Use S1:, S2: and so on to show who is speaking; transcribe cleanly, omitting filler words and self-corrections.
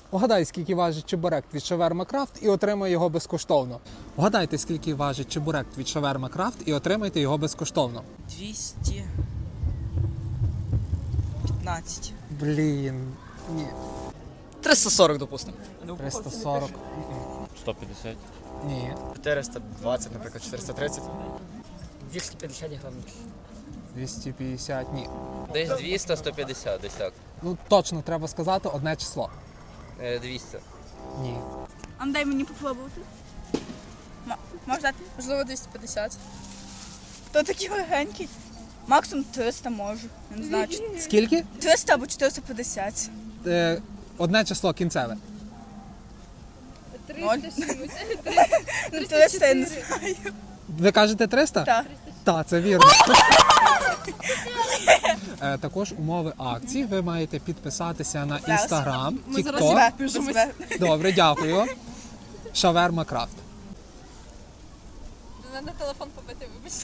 S1: Угадай, скільки важить чебурек від Шаверма Крафт і отримай його безкоштовно. Вгадайте, скільки важить чебурек від Шаверма Крафт і отримайте його безкоштовно.
S2: 215.
S1: Блін, ні.
S3: 340, допустимо.
S1: 340.
S4: 150.
S1: Ні.
S3: 420, наприклад, 430.
S2: 250 гривень.
S1: 250, ні.
S5: Десь 200-150, десь так.
S1: Ну точно треба сказати одне число.
S5: 200.
S1: Ні.
S6: А дай мені попробувати. Можеш дати?
S2: Можливо, 250.
S6: То такий легенький. Максимум 300 можу. Я не знаю,
S1: Скільки?
S6: 300 або 450.
S1: Одне число кінцеве.
S6: 0. Ну, 300 я не знаю.
S1: Ви кажете 300?
S6: Так.
S1: Так, це вірно. Також умови акції. Ви маєте підписатися на Instagram, TikTok. Добре, дякую. Шаверма Крафт.
S2: До мене телефон побити, вибачте.